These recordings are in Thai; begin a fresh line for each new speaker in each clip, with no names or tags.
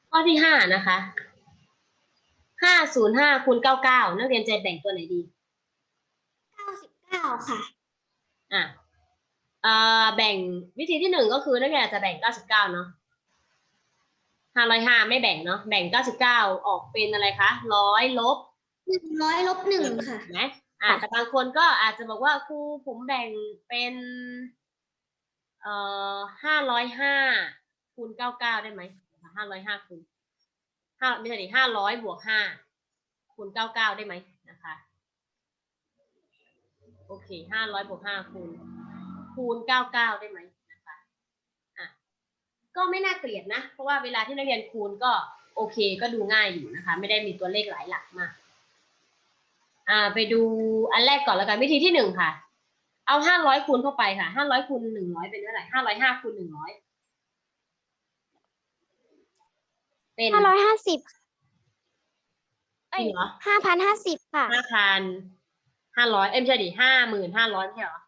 ข้อที่ห้านะคะ505คูณ99นักเรียนจะแบ่งตัวไหนดี
99ค่ะ
อ่ะแบ่งวิธีที่หนึ่งก็คือนักเรียนอาจจะแบ่ง99เนาะ505ไม่แบ่งเนาะแบ่ง99ออกเป็นอะไรคะ100ลบ
100ลบ1ค่ะ
ไหมแต่บางคนก็อาจจะบอกว่าครูผมแบ่งเป็น505คูณ99ได้ไหม505คูณไม่ใช่ดิ500บวก5คูณ99ได้ไหมนะคะโอเค500บวก5คูณ99ได้ไหมนะคะก็ไม่น่าเกลียดนะเพราะว่าเวลาที่นักเรียนคูณก็โอเคก็ดูง่ายอยู่นะคะไม่ได้มีตัวเลขหลายหลักมากไปดูอันแรกก่อนแล้วกันวิธีที่หนึ่งค่ะเอา500คูณเข้าไปค่ะ500คูณ100เป็นเท่าไหร่505คูณ100เป็น
550
จริงเหรอ
5,050ค่ะ
5,500ไม่ใช่ดิ55,500ใช่เหรอ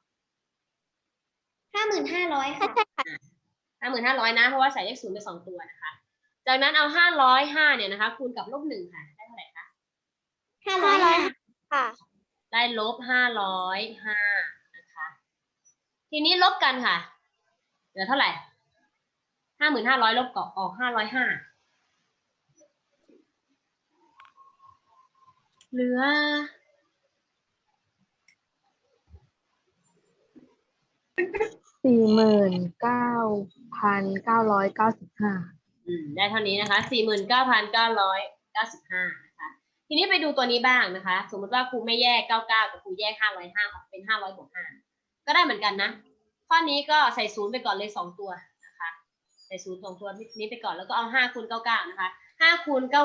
55,000ค่ะ
55,500นะเพราะว่าใส่เลข0ไป2ตัวนะคะจากนั้นเอา505เนี่ยนะคะคูณกับ-1ค่ะได้เท่าไหร่คะ
500ค่ะ
ได้-505นะคะทีนี้ลบกันค่ะเหลือเท่าไหร่5,500ลบออก505เหลือ
49,995
ได้เท่านี้นะคะ49,995นะคะทีนี้ไปดูตัวนี้บ้างนะคะสมมติว่าครูไม่แยก99กับครูแยก505ออกเป็น500บวก5ก็ได้เหมือนกันนะข้อนี้ก็ใส่0ไปก่อนเลย2ตัวนะคะใส่0 2ตัวนี้ไปก่อนแล้วก็เอา5คูณ99นะคะ5คูณ99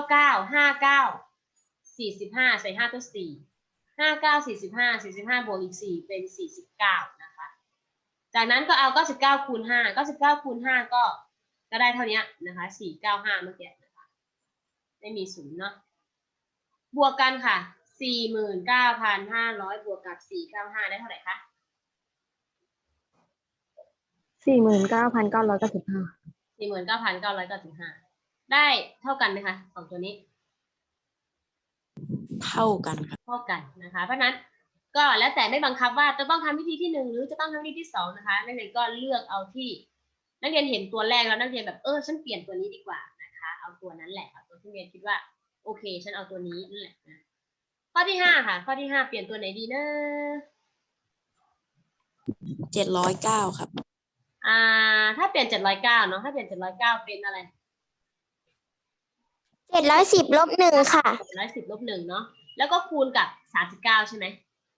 59 45ใส่5ตัว4 59 45บวกอีก4เป็น49นะคะจากนั้นก็เอา99คูณ5 99คูณ5ก็ได้เท่านี้นะคะ495เมื่อกี้นะคะไม่มี0เนาะบวกกันค่ะ49,500บวกกับ495ได้เท่าไหร่คะ
49,995
49,995ได้เท่ากันไหมคะสองตัวนี้
เท่ากันครับ
เท่ากันนะคะเพราะนั้นก็แล้วแต่ไม่บังคับว่าจะต้องทำวิธีที่1หรือจะต้องทำวิธีที่2นะคะนักเรียนก็เลือกเอาที่นักเรียนเห็นตัวแรกแล้วนักเรียนแบบฉันเปลี่ยนตัวนี้ดีกว่านะคะเอาตัวนั้นแหละเอาตัวที่เรียนคิดว่าโอเคฉันเอาตัวนี้นั่นแหละนะข้อที่5ค่ะข้อที่5เปลี่ยนตัวไหนดีนะ
709ครับ
ถ้าเปลี่ยน709เนาะถ้าเปลี่ยน709เป็นอะไร
710ลบ1ค่ะ
710ลบ1เนาะแล้วก็คูณกับ39ใช่ไหม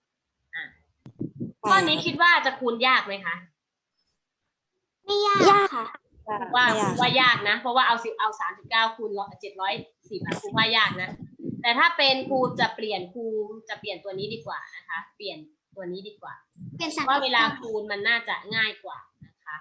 ข้อนี้คิดว่าจะคูณยากไหมคะ
ไม่ยากค่ะ
ว่ายากนะเพราะว่าเอา39คูณ710ครูว่ายากนะแต่ถ้าเป็นครูจะเปลี่ยนตัวนี้ดีกว่านะคะเปลี่ยนตัวนี้ดีกว่าเพราะว่าเวลาคูณมันน่าจะง่ายกว่านะคะ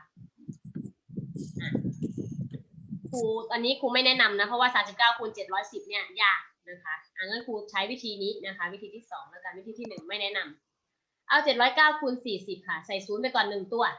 ครูอันนี้ครูไม่แนะนำนะเพราะว่า39คูณ710เนี่ยยากนะคะงั้นครูใช้วิธีนี้นะคะวิธีที่2แล้วกันวิธีที่1ไม่แนะนำเอา709คูณ40ค่ะใส่0ไปก่อน1ตัว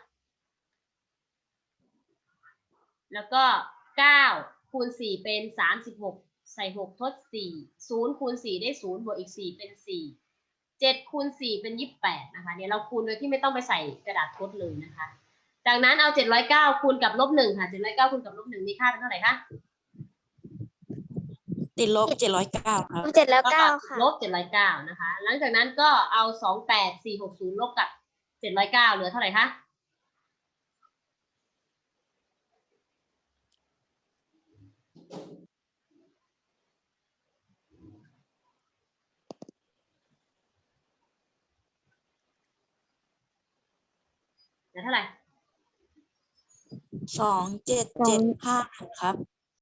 แล้วก็9คูณ4เป็น36ใส่6ทด4 0คูณ4ได้0บวกอีก4เป็น4 7คูณ4เป็น28นะคะเนี่ยเราคูณโดยที่ไม่ต้องไปใส่กระดาษทดเลยนะคะจากนั้นเอา709คูณกับ-1ค่ะ709คูณกับ-1มีค่าเป็นเท่าไหร่คะ
ติดลบ709ครับ
709ค่ะ
ลบ709นะคะหลังจากนั้นก็เอา28460ลบกับ709เหลือเท่าไหร่คะเหลือเท่าไหร่
2775ครับ